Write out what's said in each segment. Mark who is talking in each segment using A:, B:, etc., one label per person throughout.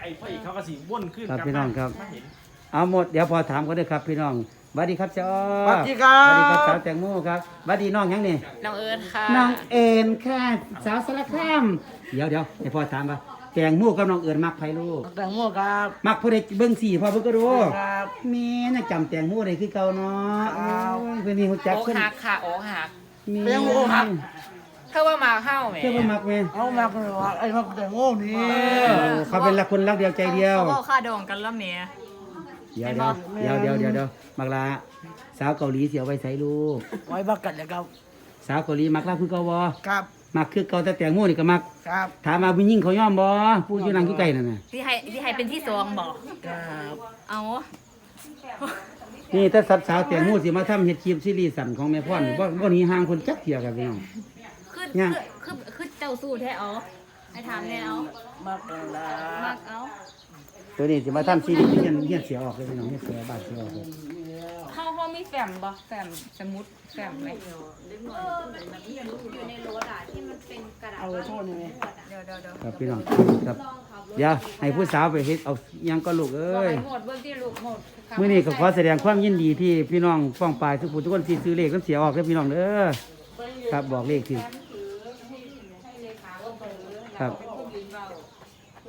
A: ไอ้พ่ออีกเขาก็สีว่นขึ้น
B: ครับพี่น้องครับเอาหมดเดี๋ยวพอถามกันด้วยครับพี่น้องสวัสดีครับเจ้าสวัสดีครับสาวแตงโมครับสวัสดีน้องยังนี่
C: น้องเอิญค่ะ
B: น้องเอ็นค่ะสาวสารคามเดี๋ยวให้พ่อถามว่าแตงโมกับน้องเอิญมักไผลูก
D: แตงโมครับ
B: มักผู้ใดเบิ่งสี่พ่อเบิ่งก็รู้
D: ครับ
B: แม่น่ะจำแตงโมได้คือเก่าเนาะเพิ่นนี่ฮู้จัก
C: โอ้
B: เพิ่น
C: หักค่ะโอ้หัก
B: แตงโมหัก
C: เธอว่ามาเข้าไหม
B: เพิ่นมักแม่
D: เอามาเลยว่าไอ้มาแตงโมนี่
B: เขาเป็นรักคนรักเดียวใจเดียว
C: เขาบอกค่าดองกันแล้วเมีย
B: เดี๋ยวมักลาสาวเกาหลีเสียวไว้ใส่ลูก
D: ไว้บักกันนะครับ
B: สาวเกาหลีมักลาคือเก่าบ่
D: ครับ
B: มักคือเก่าแต่แตงโมนี่ก็มัก
D: ครับ
B: ถามมาผู้หญิงเขายอมบ่ผู้อยู่นั่งอยู่ใกล้นั่นน่ะ
C: ที่ให้เป็นที่สองบอก
D: ครับ
C: เอา
B: นี่ถ้าสัตว์สาวแตงโมสิมาทำเฮ็ดคลิปซีรีส์สั้นของแม่พ่อนบ่หนีห่างคนจักเที่ยครับพี่น้อง
C: คือเจ้าสู้แท้เอาให้ถามแน่เอา
D: บักกันละ
C: มากเอา
B: ตัวนี้สิมาทำซีรีส์เฮียนเสียออกเลยพี่น้องเฮียนเสียบาดเสียออกเลย
C: เขามีแฟมบ่แฟมสมุดแฟมไหม
E: อยู่ในรถอ่ะที่มันเป็นกระดาษ
D: เอาโทษนี่
C: เดี๋ยว
B: ครับพี่น้องครับเดี๋ยวให้ผู้สาวไปเฮ็ดเอาหยังก็ลูกเอ้
C: บอก
B: ย
C: ให้หมดเบื้องที่ลูกหมด
B: มื้อนี้ก็ขอแสดงความยินดีที่พี่น้องฟ้องปลายทุกผู้ทุกคนที่ซื้อเลขนำเสียออกเด้อพี่น้องเด้อครับบอกเลขสิครับวัน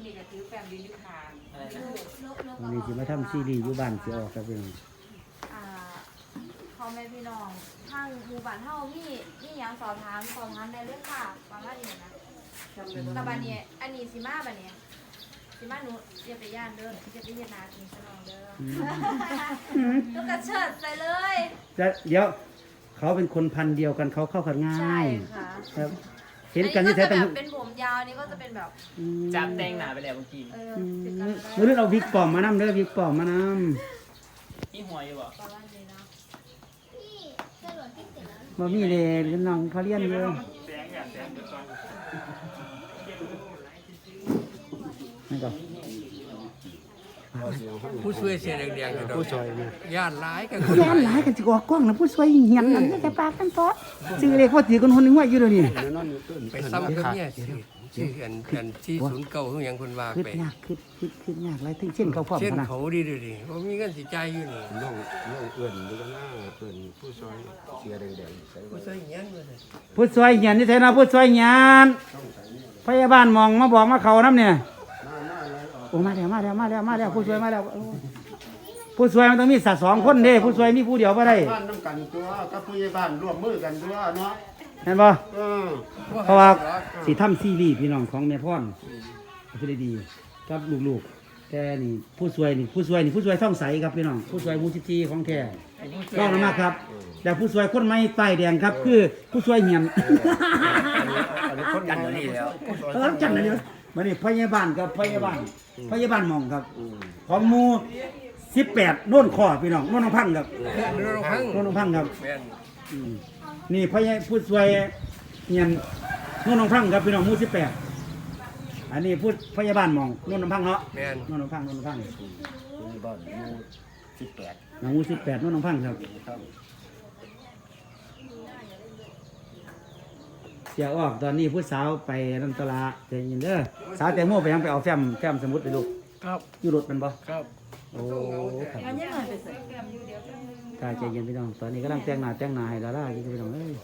B: นี้สิมาทำซีรีส์อยู่บ้านเสียออกครับพี่น้อง
E: พ่อแม่พี่น้องทางหมู่บ้านเฮามีหยังสอบถามได้เลยค่ะประมาณนี้นะแต่บัดนี้อันนี้สิมาบัดนี้สิมาหนูอย่าไปย่านเด้ออย่าไปเฮ็ดนากินซะน้องเด้อลูกกระเชิดใส่เลย
B: เดี๋ยวเขาเป็นคนพันธุ์เดียวกันเขาเข้ากันง่า
E: ใช่
B: ย
E: ค่ะ
B: ครับเห็นกัน
E: อั
B: ที่
E: ก็
B: แท้
E: จะ
B: ตั้ง
E: แบบเป็นผมยาวนี่ก็จะเป็นแบบ
A: จับแตงหนาไปแล้วเมื่อกี้
E: ติดกันไว้
B: มื้อนี้เราวิกปลอมมานำเด้อวิกปลอมมาน
A: ที่หัวอยู่บ่
E: ประมาณนี้เนาะ
B: ำบ่มีเลยน้องเขาเรียนอยู่
A: แตงอย่างแตงเดี๋ยวก่อน
B: นั่นก็
F: ผู้ช่วยเสียแดงๆอยู่ดอกผู้ช่วยญาติร้ายกัน
B: แย่หลายกันสิออกกล้องนะผู้ช่วยเหียนนั่นจะปากกันเพราะชื่อเลขว่าตีคนคนหนึงว่าอยู่เดี๋ยวนี้
F: ไปซ้ำกับเนี่ยชื่ออันที่ศูนย์เก่าของอย่างคนว่า
B: คิด
F: ไป
B: ยากคิดยากหลายถึงเช่นเขาพร้อม
F: เช่น
B: ขนาด
F: เขาดีดูดิว่ามีเงินสิใจอยู่นี่
G: น้องเอื่นดูกันหน้าเอื่นผู้ซอยเสียแดงๆใส่
F: ผู้ช่วยอย่างนั้นเลย
B: ผู้ช่วยเหียนนี่แท้นะผู้ช่วยเหียนพยาบาลมองมาบอกมาเขาน้ำเนี่ยโอ้มาแล้วผู้ช่วยมาแล้วผู้ช่วยมันต้องมีสัตว์2คนเด้ผู้ช่วยมีผู้เดียวบ่ได้
G: บ้านน้ำกันตัวกับผู้ใหญ่บ้านร่วมมือกันตัวเนาะ
B: เห็นบ่
G: เออ
B: เพราะว่าสิทำซีรีส์พี่น้องของแม่พ่อนคือได้ดีกับลูกๆแต่นี่ผู้ช่วยท่องใสครับพี่น้องผู้ช่วยมูจิจีของแท้รองลงมาครับแต่ผู้ช่วยคนใหม่ป้ายแดงครับคือผู้ช่วยเหียน
G: อันนี้คนกันอยู่นี่แล้ว
B: จังเลยเนี่ยมานี่พยาบาลกับพยาบาลหมองครับของหมู่18โน่นข้อพี่น้องโน่นน้องพังครับ
F: เรือพัง
B: โน่นน้องพังครับ
F: แม่น
B: นี่ผู้ช่วยเหียนโน่นน้องพังครับพี่น้องหมู่18อันนี้ผู้พยาบาลหมองโน่นน้องพังเนาะ
F: แม่น
B: โน่นน้องพัง
G: บ้านหมู่18
B: หมู่18โน่นน้องพังครับเสียออกตอนนี้ผู้สาวไปนันตลาใจเย็นเด้อสาวแตงโมไปยังไปเอาแฟ้มสมุดไปลูก
D: ครับ
B: อยู่รถมันบ่
D: ครับ
B: โอ้ครับถ้าใจเย็นพี่น้องตอนนี้กำลังแต่งหน้าให้ดาราอยู่พี่น้องเอ้ย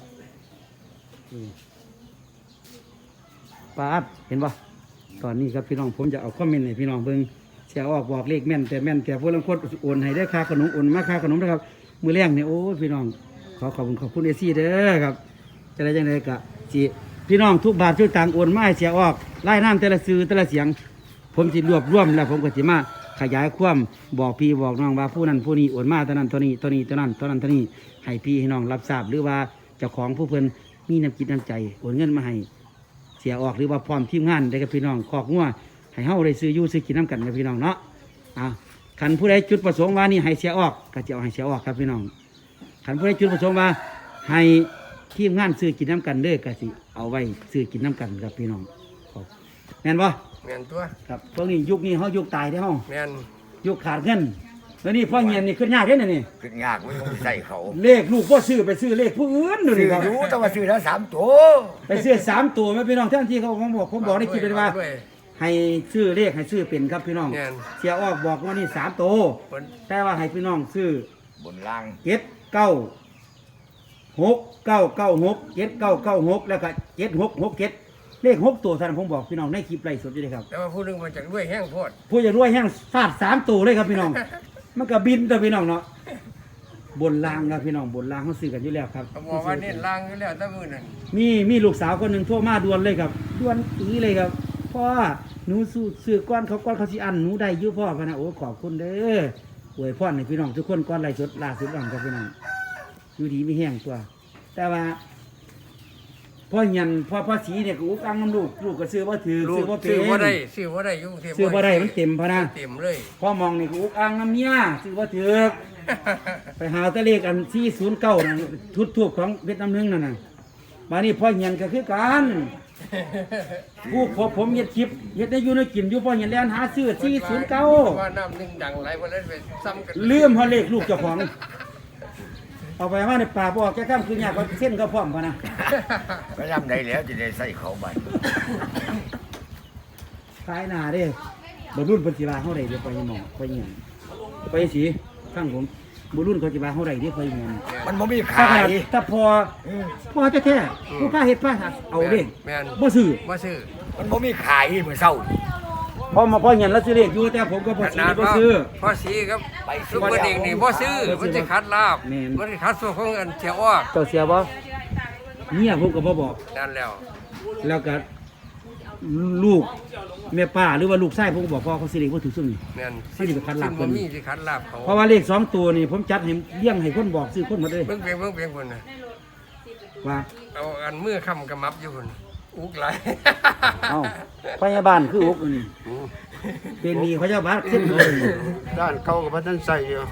B: ป้าอัดเห็นบ่ตอนนี้ครับพี่น้องผมจะเอาคอมเมนต์ให้พี่น้องเบิ่งเสียออกบอกเลขแม่นแต่พวกลังคนโอนให้ได้ค่าขนมโอนมาค่าขนมนะครับมื้อแรงนี่โอ้พี่น้องขอบคุณเอซี่เด้อครับจะได้จังไดก็สิพี่น้องทุกบาททุกตังค์โอนมาให้เสียออกไล่น้ำแต่ละซื้อแต่ละเสียงผมสิรวบรวมแล้วผมก็สิมาขยายความบอกพี่บอกน้องว่าผู้นั้นผู้นี้โอนมาเท่านั้นเท่านี้เท่านั้นเท่านั้นให้พี่ให้น้องรับทราบหรือว่าเจ้าของผู้เพิ่นมีน้ำจิตน้ำใจโอนเงินมาให้เสียออกหรือว่าพร้อมทีมงานได้กับพี่น้องคอกงัวให้เฮาได้ซื้ออยู่ซื้อกินน้ำกันกับพี่น้องเนาะคันผู้ใดจุดประสงค์ว่านี่ให้เสียออกก็จะเอาให้เสียออกครับพี่น้องคันผู้ใดจุดประสงค์ว่าให้ทีมงานซื้อกินน้ำกันเด้อก็สิเอาไว้ซื้อกินน้ำกันครับพี่น้องแม่นบ่
F: แม่นตัว
B: ครับพวกนี้ยุคนี้เฮายุคตายได้อเฮา
F: แม่น
B: ยุคขาดเงินแล้วนี่พ่อเงียนนี่ขึ้นยากเด้อนี่
G: ขึ้นยากไม่ต้องใส่เขา
B: เลขลูกบ่ซื้อไปซื้อเลขผู้อื่นดู
G: ซื้
B: นี่
G: อ
B: ครับ
G: รู้แต่ว่าซื้อแล้ว3ตัว
B: ไปซื้อ3ตัวแม่พี่น้องท่านที่เขาผมบอกในคลิปเลยว่าให้ซื้อเลขให้ซื้อเป็นครับพี่น้อง
F: แม่น
B: เสียออกบอกว่านี่3ตัว
F: บน
B: แต่ว่าให้พี่น้องซื้อบ
H: นล่าง
B: 796 แล้วก็7667เลข6ตัวท่านผมบอกพี่น้องในคลิปไลฟ์สดอยู่เลยครับ
F: แต่ว่าผู้หนึงมาจากด้วยแห้งโพด
B: ผู้จะรวยแห้งฟาด3ตัวเลยครับพี่น้อง มันก็บินตัวพี่น้องเนาะบนรางครับพี่น้องบนรางเขาซื้อกันอยู่แล้วครับ
F: เขาบอกว่าเน้นล่างอยู่แล้วแต่มื้อนั้น
B: มีลูกสาวคนหนึ่งโทรมาด่วนเลยครับด่วนอีเลยครับพ่อหนูซื้อก้อนเขาสิอันหนูได้อยุ่พ่อพะนะโอ้ขอบคุณเด้ออวยพรให้พี่น้องทุกคนก้อนไรสดล่าสุดอ่อนครับพี่น้องอยู่ดีไม่แห้งตัว แต่ว่าพ่อยันพ่อสีเนี่ยก็อุกอังน้ำลูกก็ซื้อว่าถือ
F: ลู
B: ซื้
F: ก
B: อว่าเป็
F: ซื้อน บ่ได้ซื้อบ่ได้อยู่กรุงเทพ
B: ซื้อว่าได้มันเต็มพะนะ
F: เต็มเลย
B: พ่อมองนี่ก็อุกอังน้ำเมียซื้อว่าถือไปหาตะเลขอัน409นั่นทุบของเวียดนามนึงนั่นน่ะมานี่พ่อยันก็คือกัน ผู้ผมเฮ็ดคลิปเฮ็ดได้อยู่ในกินอยู่พ่อเห็นแลนหาซื้อ409
F: ว่าน้ำหนึงดังหลายบ่ได้ไปซ้ำกัน
B: ลืมฮอเลขลูกเจ้าของ เอาไปว่าในป่าบ่ออกแก่ข้ามคือยากก็เส้นก็พร้อมพะนะ
H: ก็ยำได้แล้วจะได้ใส่เขาบัด
B: ขายหน้าเด้บ่รุ่นเพิ่นสิว่าเฮาได้เด้อไปหมองไปหยังไปสิฟังผมบ่รุ่นเขาสิว่าเฮาได้เด้อไปหยัง
H: มันบ่มี
B: ถ้า
H: ขาย
B: ถ้าพอแท้ๆผู้พาเฮ็ดพาเอาเด้
F: แม่น
B: บ่ซื้อ
F: บ่ซื้อ
H: มันบ่มีขายมื้อเช้านี่
B: พอเห็นแล้วซื้อเลขอยู่แต่ผมก็บ่ซื้อบ่ซื้อ
F: พ่อสีครับซุปเปอร์เด็กนี่บ่ซื้อมันจะคัดลาบ
B: แม่น
F: มันจะคัดส่วนของอันเสียออก
B: เจ้าเสียบ่เนี่ยผมก็บ่บอก
F: นั่นแล้ว
B: แล้วก็ลูกแม่ป้าหรือว่าลูกชายผมก็บอกพ่อเขาสิเลขบ่ถูกซุ่มนี่
F: แม่น
B: เขาสิไปคัดลาบ
F: บ่
B: เพิ่น
F: มีสิคัดลาบเขา
B: เพราะว่าเลข2ตัวนี่ผมจัดให้เลี้ยงให้คนบอกซื้อคนหมดเลย
F: เบิ่งเพียงคนน่ะ
B: ว่า
F: เอาอันมือค้ำกำมับอยู่คนอุกหลาย
B: เอ้าพยาบาลคืออกนี่เป็นหนี้พยาบาลขึ้นเลย
G: ด้านเขาก็บ่ทันใส่อยู่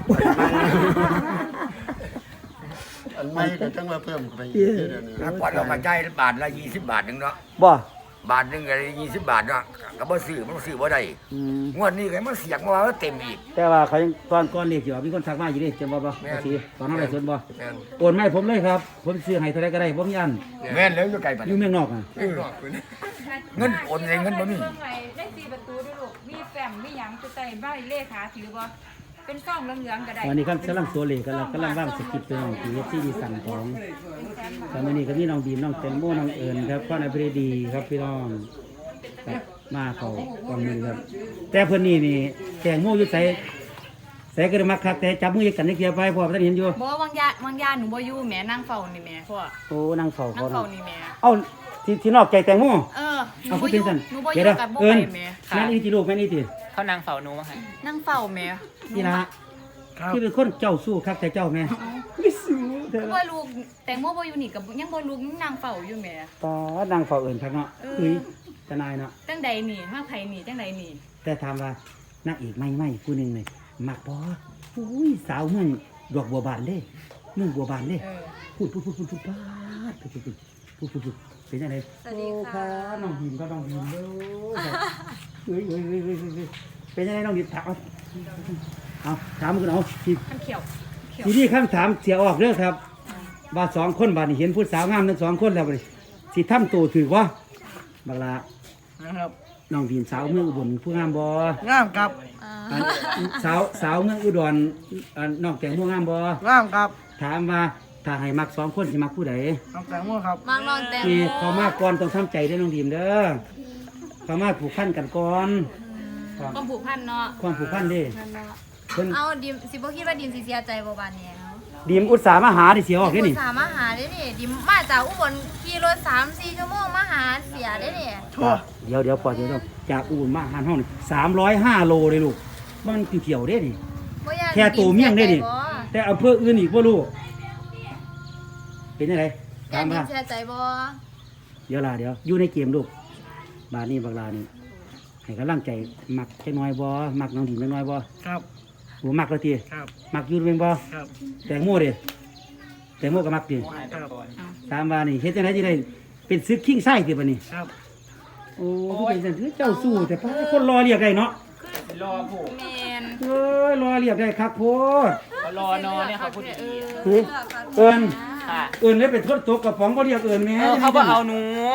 G: อันใหม่ก็จังว่าเพิ่มไปอีกเดี๋ยวนี้
H: แล้วก่อนเราก็จ่ายบาทละ20 บาทนึงเนาะ
B: บ่
H: บาทนึงก็ได้20 บาทเนาะก็บ่ซื้อมันซื้อบ่ได้
B: อืม
H: งวดนี้ก็มันเสียงมาว่าเต็มอีก
B: แต่ว่าเขายังก่อนเลขสิว่ามีคนทักมาอยู่ดิจำบ่บ่สิตอนนั้นได้สนบ่
F: แม่น
B: โอนมาให้ผมเลยครับ ผมซื้อให้เท่าไหร่ก็ได้บ่มีอัน
H: แม่นแล้วอยู่ไกลบัด
B: อยู่เมืองนอกอ่ะ
F: เพิ่งรอกคน
H: เงินโอนเงินบ่มี
C: ได้4ประตูด้วยลูกมีแฟ้มมีหยังจะใส่ใบเลขาถือบ่เป็นซ่องเหลืองๆก็ได้
B: วันนี้ครับกำลังตัวเลขกันแล้วกำลังวางสคริปต์ตัวของที่ดีสั่งของแต่วันนี้ก็มีน้องบีมน้องแตงโมน้องเอิญครับพ่อนายพระดีครับพี่น้องครับมาเขากองมือครับ แต่เพิ่นนี่แตงโมอยู่ใส่ก็ได้มักคักแต่จับมือกันนี่เกียร์ไปพ่อท่านเห็นอยู่
C: บ่วางยาหนูบ่อยู่แหม่นั่งเฝ้านี่แหม่พ่อ
B: โอ้นางเฝ้า
C: นั่
B: เขา
C: งเฝ้า
B: เนาะ
C: นี่แหม่
B: เอ้าที่นอกใจแตงโม
C: เออหนู
B: เอา
C: บ่
B: พูด
C: อ
B: เป็
C: ยู่
B: นสั่น
C: หนูบ่อ
B: เดี๋ยว
C: ยู่
B: นะ
C: กับบ่
B: เอิญ
C: ไปแหม่
B: แม่นี่ที่ลูกแม่นี่ที่
A: เขานางเฝ้าหนูมาให้
C: นั่งเฝ้าแหม่
B: นี่ละ
D: ครับ
B: ที่เป็นคนเจ้าสู้ครับแต่เจ้าแม่ไม่สู้เด้อ
C: บ่ลูกแตงโมบ่อยู่นี่กับยังบ่ลูกนั่งเฝ้าอยู่แหม่
B: ตอนางเฝ้าเอิญครับเนาะ
C: เออ
B: เฮ้ยทนายเนาะ
C: จังใดนี่มาไผนี่จังใดนี่
B: แต่ถามว่านักเอกไม่ผู้หนึ่งเลยมักบออุ้ยสาวเมืองดอกบัวบานเด้เมืองบัวบานเด้
C: เออ
B: พูดป้าดพูดเป็นยังไง
E: สวัสดีค่ะ
B: น้องหิมก็น้องหิมเด้อเฮ้ยเป็นยังไงน้องหิมถามเอาถามกันเอาที
C: มันเขียว
B: ทีนี้คำถามเสียออกเด้อครับว่า2 คนบาดนี่เห็นผู้สาวงามทั้ง2 คนแล้วบัดนี้สิทำตัวถือว่าบักลา
D: นะครับ
B: น้องหิมสาวเมืองอุบลผู้งามบ่
D: งามครับ
B: อันสาวเมืองอุดรอันนอกแตงโมงามบ่
D: งามครับ
B: ถามว่าถ้าให้มัก2 คนสิมักผู้ใด
D: น้องแตงโมครับ
E: มางนอนแตง
B: ที่
E: โม
B: เขามาก่อนต้องทำใจได้อน้องดีมเด้อเขามาผูกพันกันก่อนครับ
C: ความผูกพันเนาะ
B: ความผูกพันเด้เพิ่น
E: เอาดิมสิบ่คิดว่าดิมสิเสียใจบ่บานนี้เนาะ
B: ดีมอุตสาห์มาหาที่เสียออกเด้นี่
E: สามารถหาได้นี่ดิมมาจากอุบลขี่รถ3-4 ชั่วโมงมาหาเสียได้นี่
D: ทั่ว
B: เดี๋ยวปล่อยเดี๋ยวจากอุบลมาหาห้องนี่305 โลเลยลูกมันเกี่ยวเด้นี่
E: บ่อยาก
B: แค่ตัวเมี่ยงได้ดิ
E: บ่
B: แต่อำเภออื่นอีกบ่รู้เป็นจังได
E: อยา
B: ถาก ม
E: ดิ
B: ว่าม
E: เสียใจบ่
B: เดี๋ยวอยู่ในเกมลูกบาดนี้บักลานี่ให้กำลังใจมักจักหน่อยบ่มักน้องดีมจักหน่อยบ่
D: ครับ
B: บ่มักแล้วติ
D: ครับ
B: มักอยู่เป็นบ่
D: ครับ
B: แตงโมเด้แตงโมก็มักติ
A: โมหายไปก่อน
B: ตามว่านี่เฮ็ดจังไดสิได้เป็นซึกคิงไส้ติบัดนี้
D: ครับ
B: โอ้คือเป็นจังคือเจ้าสู้แต่พาคนรอเรียกได้เนาะ
A: รอผูก
C: แม่น
B: เอ้ยรอเรียกได้คักโพด
A: เขารอนอนเนี่ยเขาพูดดี
B: เฮ้ยเอิ้น
A: ค่ะ
B: เอิ้นเลยเป็นทดตกกระป๋องบ่เรียกเอิ้นแม่
A: เขาบ่เอาหนู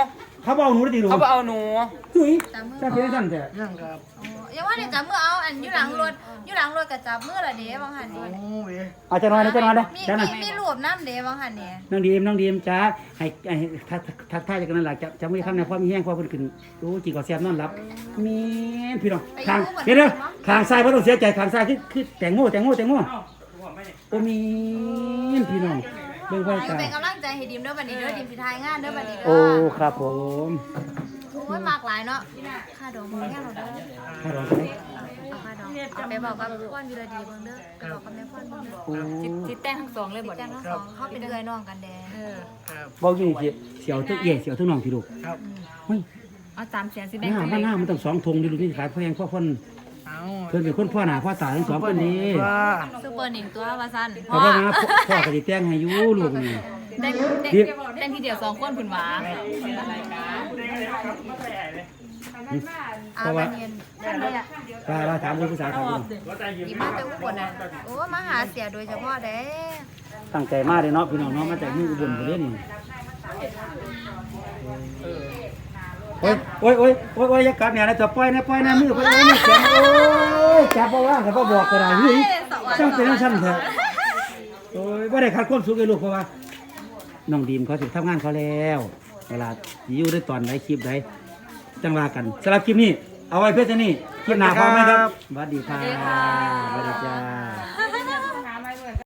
B: เขาบ่เอาหนูได้ติลูก
A: เขาบอกเอาหนู
B: เฮ้ย
E: จับมือ
B: จับเพียงสั้นแต่
D: ยังครับ
E: อย่าว่าเนี่ยจับมือเอาอันอยู่หลังรถก็จับมือละเด้บางหัน
D: โอ้
E: นี่
D: ย
B: เอาจะนอนได้จะนอนได้
E: มี
B: จ้าน่ะ
E: มีรูปน้ำเด้บางหันนี่
B: น้องดีมจ้าให้ทักทายจากนั้นหลักจะไม่ทำในความมีแห้งความเพิ่นขึ้นโอ้จีก็แซ่บนอนหลับมีพี่น้องทางเดี๋ยวทางซ้ายบ่ต้องเสียใจทางซ้ายคือแตงโมโอ้มีพี่น้องเบิ่งไว้
E: อยู่
B: ตา
E: เป็นกำลังใจให้ดิมเด้อบัดนี้เด้อดิมสิทายงานเด้อบัดนี้เด้
B: โอ้
E: อ
B: ครับผม
E: โอ้ยมากหลายเนาะค่าดองบ่แค่เราเด้อ
B: ถ้าเราจะได้
E: เอาค่าดองเอาไปบอกกับพ่อนวิรดีเบิ่งเด้อไปบอกกับแม่พ่อนเบิ่งเด้อ
B: โอ้
C: จิตแต่งทั้งสองเลย
E: ติ
C: บ่
E: ดจังทั้งสองเขาเป็นเอื้อยน้องกันแดง
D: ครับ
B: บอกอยู่นี่เสียวทุกเย่เสียวทุกน้องที่ลูก
D: ครับ
B: เฮ้ย
C: เอา3แสนสิ
B: ห
C: แบ่ง
B: น้า
C: กัน
B: บ้านหน้ามันต้อง2ธงดิลูกนี่ขายแพงพ่อคน
D: เอา
B: เพิ่นเป็นคนพ่อหน้าพ่อตาทั้งสองคนนี้
D: ว่า
E: ซุปเปอร์หนิงตัวว่าซั่น
B: เพราะว่านะพ่อก็สิแต่งให้อยู่ลูกนี่
C: แต่ง
B: ดิ
C: แต่งทีเดียว2คนพุ่นหว่า
E: อาบันเย็นท่านใดอ่ะ
B: ว่าถามผู้สาวครับ
E: อีมาแต่อุบลน่ะโอ้มาหาเสียโดยเฉพาะเด้
B: ตั้งใจมากเลยเนาะพี่น้องเนาะมาจากมืออุบลพุ่นเด้นี่โอ้ยอย่ากลับเนี่ยนะจะปล่อยนะมือไปมือแข็งโอ้ยจับบ่ว่าแต่บ่บอกก็ได้เฮ้ยจังเป็นจังซั่นเถอะโอ้ยบ่ได้ขาดความสุขเลยลูกเพราะว่าน้องดีมเขาสิทำงานเขาแล้วเวลาอยู่ได้ตอนไหนคลิปใดจังว่ากันสำหรับคลิปนี้เอาไว้เพื่อจะนี่คลิปหน้าพร้อมไหมครับสวัสดีค่ะสวัสดีจ้า